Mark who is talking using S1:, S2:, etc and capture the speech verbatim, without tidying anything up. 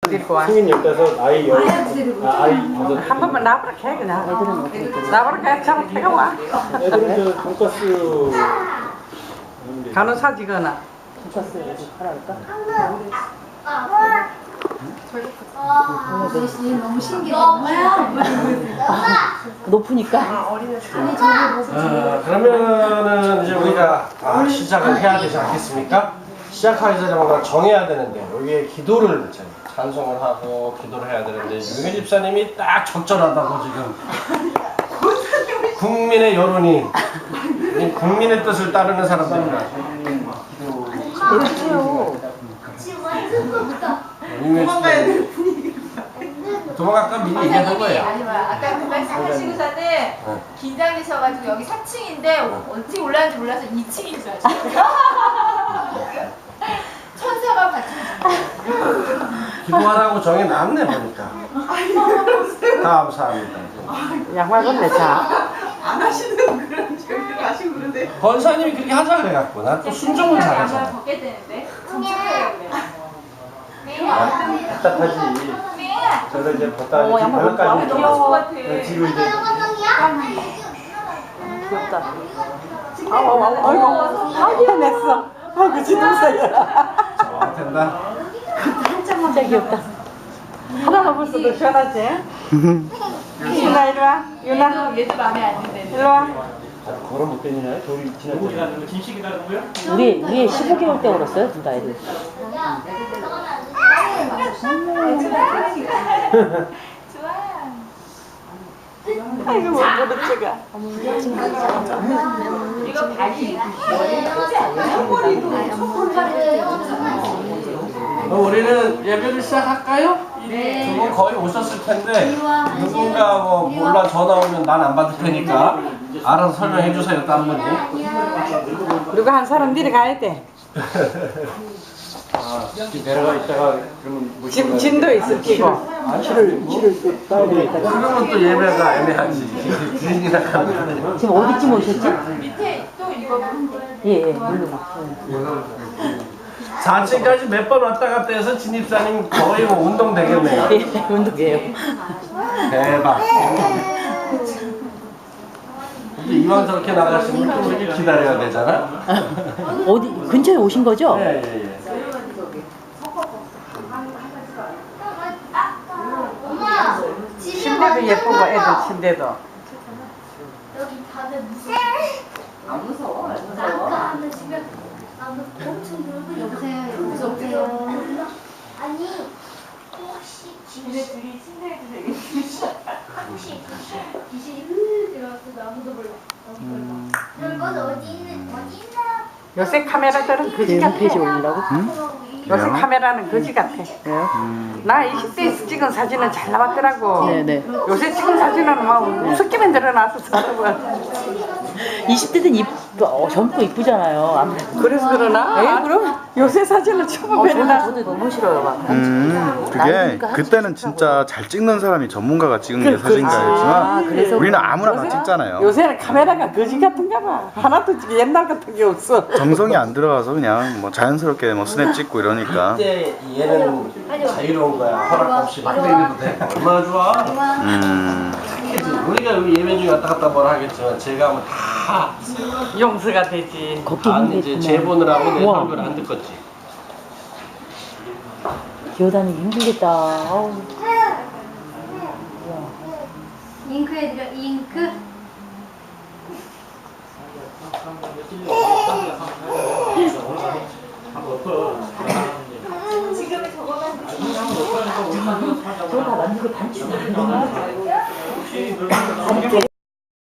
S1: 데리고 와.
S2: 승인 열다섯, 아이 열, 아, 아이 다섯.
S1: 한 번만 나보라 해 그냥. 애들은 어떻게? 나보라 해 잡아 태가 와.
S2: 애들은 저 돈가스
S1: 간호사지거나.
S3: 돈가스 애들 팔아볼까?
S4: 아, 너무 신기해.
S3: 높으니까.
S2: 아, 그러면은 이제 우리가 아, 시작을 해야 되지 않겠습니까? 시작하기 전에 뭔가 정해야 되는데 여기에 기도를 찬송을 하고 기도를 해야 되는데 유미 집사님이 딱 적절하다고 지금 국민의 여론이 이 국민의 뜻을 따르는 사람들이라
S3: 해주세요.
S4: 지금 완전 높다.
S2: 도망가야 돼. 도망갈까 미리 얘기하는 거예요.
S5: 아니 아까 그 말씀하시고서는 긴장되셔가지고 여기 사 층인데 어떻게 올라가는지 몰라서 이 층인 줄 아시죠? 천사가 받쳐주고
S2: 기도하라고 정해 놨네 보니까. 감사합니다.
S1: 양말 건네 자.
S6: 안 하시는 그런 저기를 하시고 그러는데
S2: 권사님이 그렇게 하자 그래갖고 난 또 순종을
S5: 양말
S2: 잘하잖아.
S5: 벗게 되는데 진짜 그래요.
S2: 답답하지. 저도 이제 벗다
S3: 어, 양말 벗고
S5: 너무
S2: 여기까지
S5: 좋을 것 같아.
S2: 뒤로 이제
S3: 귀엽다.
S1: 아우 아우 아이고 하기야 냈어. 아이고 지동사야.
S2: 어, 된다.
S3: 진짜 귀엽다.
S1: 하나만 벌써도 시원하지? 유나 이리 와. 유나
S5: 얘도, 얘도 마음에 안 든대.
S1: 이리 와.
S2: 걸어 못 다니나요? 돌이 지나가요.
S3: 우리 우리 십오 개월 때 걸었어요, 둘 다 애들.
S5: 좋아요.
S1: 아이고 못 부르지가.
S5: 이거 발이
S2: 어, 우리는 예배를 시작할까요?
S5: 네.
S2: 두 분 거의 오셨을 텐데 누군가 뭐 몰라 전화 오면 난 안 받을 테니까 알아서 설명해 주세요, 딴 분이.
S1: 그리고 한 사람 내려가야 돼.
S2: 아, 내려가 있다가 그러면 뭐
S1: 지금 진도 있어 끼고.
S2: 그러면 또 예배가 애매하지. 주인이나 가면.
S3: 지금 어디쯤 오셨지?
S5: 밑에 또 이거
S3: 예, 예, 물론.
S2: 사 층까지 몇 번 왔다 갔다 해서 진입사님 거의 뭐 운동 되겠네요.
S3: 예, 운동이에요.
S2: 대박. 근데 이왕 저렇게 나가시면 또 이렇게 기다려야 되잖아.
S3: 어디 근처에 오신 거죠?
S2: 예, 예, 예.
S4: 엄마, 집에
S1: 침대도 예쁘고 애들 침대도.
S4: 여기 다들 무서워. 안 무서워? 안 무서워? 아까 하는 집에 아무 엄청 놀고 여보세요, 여보세요. 아니, 혹시
S5: 집에 둘이 침대에도 되겠지.
S4: 혹시 귀신이 흐 들어와서 아무도 몰라. 아무도 몰라. 그럼 건 어디 있는 어디 있나?
S1: 요새 카메라들은 거지 같아.
S3: 홈페이지 올리려고?
S1: 요새 카메라는 거지 같아.
S3: 왜요?
S1: 나 이십 대에서 찍은 사진은 잘 나왔더라고.
S3: 네네.
S1: 요새 찍은 사진은 막 우습게만 드러나서 사람은.
S3: 이십 대는 이쁘, 어, 젊고 이쁘잖아요. 아무래도.
S1: 그래서 그러나?
S3: 에 그럼?
S1: 요새 사진은 처음
S3: 어, 저도,
S1: 뵈나?
S3: 저도 너무 싫어요. 막.
S7: 음, 그게
S3: 나이니까
S7: 그때는 진짜 잘 찍는 사람이 전문가가 찍은 게
S1: 그-
S7: 사진가였지만
S3: 아, 그래서
S7: 우리는 아무나 다
S1: 요새-
S7: 찍잖아요.
S1: 요새는 카메라가 거지 같은가 봐. 하나도 지금 옛날 같은 게 없어.
S7: 정성이 안 들어가서 그냥 뭐 자연스럽게 뭐 스냅 찍고 이러니까.
S2: 이때 얘는 자유로운 거야. 허락 없이 막 다니도 돼. 얼마나 좋아.
S7: 음,
S2: 우리가 여기 예배 중에 왔다 갔다 뭐라 하겠지만 제가 하면 다
S1: 용서가 되지.
S3: 걷기
S2: 안 이제
S3: 힘들겠구나.
S2: 제본을 하고 내
S3: 우와.
S2: 설교를 안 듣겠지.
S3: 기어다니기 힘들겠다. 아우.
S4: 잉크 해드려, 잉크.
S5: 지금은 저거만
S3: 저거 다 만들고 단추 다 만드는 거야?